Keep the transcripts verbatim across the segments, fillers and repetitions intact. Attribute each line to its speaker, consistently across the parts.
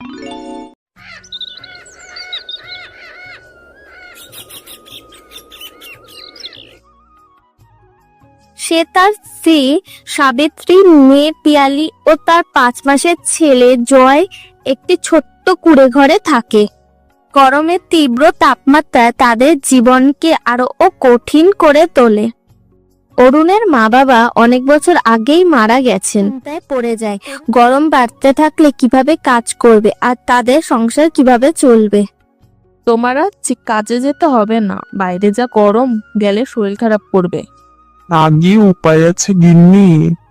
Speaker 1: সে তার স্ত্রী সাবিত্রী, মেয়ে পিয়ালি ও তার পাঁচ মাসের ছেলে জয় একটি ছোট্ট কুঁড়ে ঘরে থাকে। গরমের তীব্র তাপমাত্রা তাদের জীবনকে আরো কঠিন করে তোলে। অরুণের মা বাবা অনেক বছর আগেই মারা গেছেন। তাই পড়ে যায়, গরম বাড়তে থাকলে কিভাবে কাজ করবে আর তাদের সংসার কিভাবে চলবে।
Speaker 2: তোমার আর কাজে যেতে হবে না, বাইরে যা গরম, গেলে শরীর খারাপ করবে।
Speaker 3: আগে উপায় আছে গিন্নি।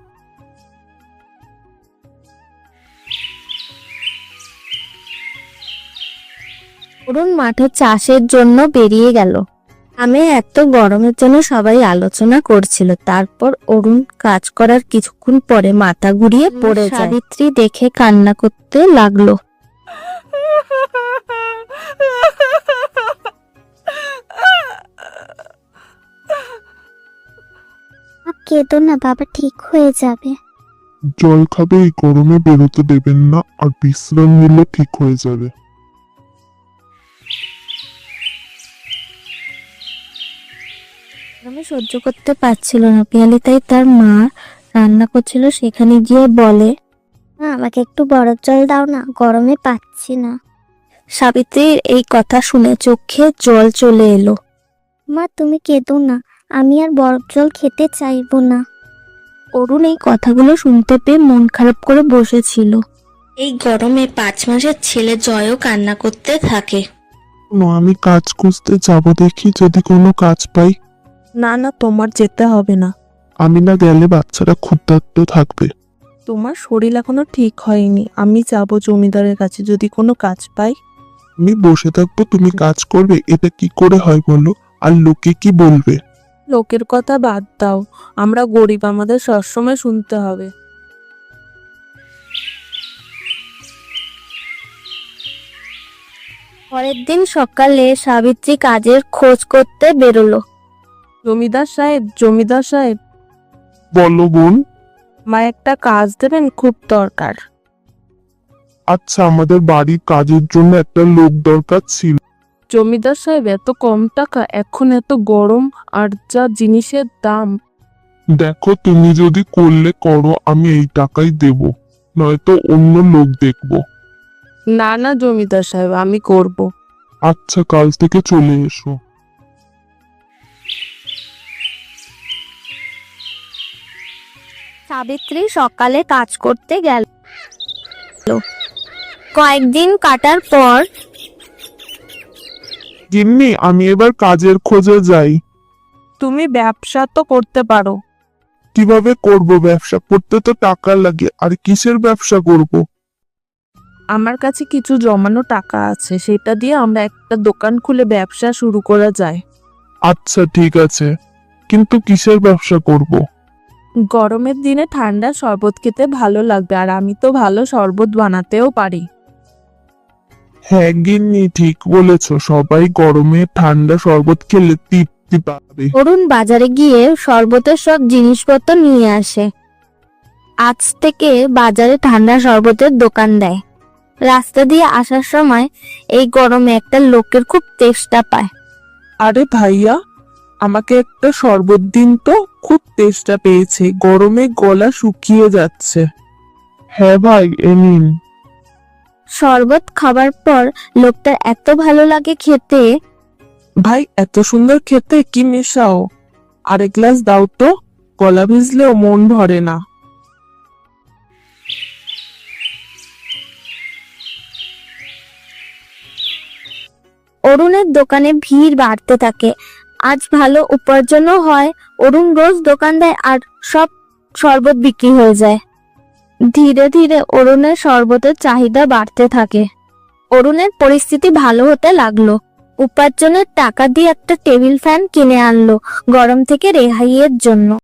Speaker 1: অরুণ মাঠে চাষের জন্য বেরিয়ে গেল। আমি এত গরমের জন্য সবাই আলোচনা করছিল। তারপর অরুণ কাজ করার কিছুক্ষণ পরে মাথা ঘুরিয়ে পড়ে যায়। সাবিত্রী দেখে কান্না করতে লাগলো।
Speaker 4: কেঁদো না বাবা, ঠিক হয়ে যাবে।
Speaker 3: জল খাবে, এই গরমে বেরোতে দেবেন না, আর বিশ্রাম নিলে ঠিক হয়ে যাবে।
Speaker 1: আমি সহ্য করতে পারছিল না পিয়ালি, তাই তার মা রান্না করছিল সেখানে গিয়ে বলে,
Speaker 4: মা আমাকে একটু বরফ জল দাও না, গরমে পাচ্ছি না।
Speaker 1: সাবিত্রীর এই কথা শুনে চোখে জল চলে এলো।
Speaker 4: মা তুমি কেঁদো না, আমি আর বরফ জল খেতে চাইবো না।
Speaker 1: অরুণ এই কথাগুলো শুনতে পেয়ে মন খারাপ করে বসেছিল। এই গরমে পাঁচ মাসের ছেলে জয়ও কান্না করতে থাকে।
Speaker 3: আমি কাজ খুঁজতে যাব, দেখি যদি কোনো কাজ পাই।
Speaker 2: না না, তোমার যেতে হবে না।
Speaker 3: আমি না গেলে বাচ্চারা ক্ষুধার্ত থাকবে।
Speaker 2: তোমার শরীর এখনো ঠিক হয়নি, আমি যাব জমিদারের কাছে, যদি কোনো কাজ পাই।
Speaker 3: আমি বসে থাকবো, তুমি কাজ করবে, এটা কি করে হয় বলো? আর লোকে কি বলবে?
Speaker 2: লোকের কথা বাদ দাও, আমরা গরিব, আমাদের সবসময় শুনতে হবে।
Speaker 1: পরের দিন সকালে সাবিত্রী কাজের খোঁজ করতে বেরোলো।
Speaker 2: জমিদার সাহেব, জমিদার সাহেব,
Speaker 3: বলো বোন।
Speaker 2: মা একটা কাজ দেবেন, খুব দরকার।
Speaker 3: আচ্ছা, আমাদের বাড়ির কাজের জন্য একটা লোক দরকার ছিল।
Speaker 2: জমিদার সাহেব, এত কম টাকা, এখন এত গরম আর যা জিনিসের দাম।
Speaker 3: দেখো, তুমি যদি করলে করো, আমি এই টাকাই দেব, নয়তো অন্য লোক দেখবো।
Speaker 2: না না জমিদার সাহেব, আমি করব।
Speaker 3: আচ্ছা, কাল থেকে চলে এসো।
Speaker 1: সাবিত্রী সকালে কাজ করতে গেল। কয়েকদিন কাটার পর,
Speaker 3: গিন্নি, আমি এবার কাজের খোঁজে যাই।
Speaker 2: তুমি ব্যবসা তো করতে পারো।
Speaker 3: কিভাবে করব? ব্যবসা করতে তো টাকা লাগে, আর কিসের ব্যবসা করব?
Speaker 2: আমার কাছে কিছু জমানো টাকা আছে, সেটা দিয়ে আমরা একটা দোকান খুলে ব্যবসা শুরু করা যায়।
Speaker 3: আচ্ছা ঠিক আছে, কিন্তু কিসের ব্যবসা করব?
Speaker 2: গরমের দিনে ঠান্ডা শরবত খেতে ভালো লাগবে, আর আমি তো ভালো শরবত বানাতেও পারি।
Speaker 3: হ্যাঁ গিন্নি, ঠিক বলেছ, সবাই গরমে ঠান্ডা শরবত খেলে তৃপ্তি পাবে।
Speaker 1: অরুণ বাজারে গিয়ে শরবতের সব জিনিসপত্র নিয়ে আসে। আজ থেকে বাজারে ঠান্ডা শরবতের দোকান দেয়। রাস্তা দিয়ে আসার সময় এই গরমে একটা লোকের খুব তেষ্টা পায়।
Speaker 2: আরে ভাইয়া, আমাকে একটা শরবত দিন তো, খুব তেষ্টা পেয়েছে, গরমে গলা শুকিয়ে যাচ্ছে।
Speaker 3: হ্যাঁ ভাই, এ নিন।
Speaker 1: শরবত খাবার পর লোকটার এত ভালো লাগে খেতে।
Speaker 2: ভাই, এত সুন্দর খেতে, কি মেশাও? আরেক গ্লাস দাও তো, গলা ভিজলেও মন ভরে না।
Speaker 1: অরুণের দোকানে ভিড় বাড়তে থাকে। আজ ভালো উপার্জনও হয়। অরুণ রোজ দোকান দেয় আর সব শরবত বিক্রি হয়ে যায়। ধীরে ধীরে অরুণের শরবতের চাহিদা বাড়তে থাকে। অরুণের পরিস্থিতি ভালো হতে লাগলো। উপার্জনের টাকা দিয়ে একটা টেবিল ফ্যান কিনে আনলো গরম থেকে রেহাইয়ের জন্য।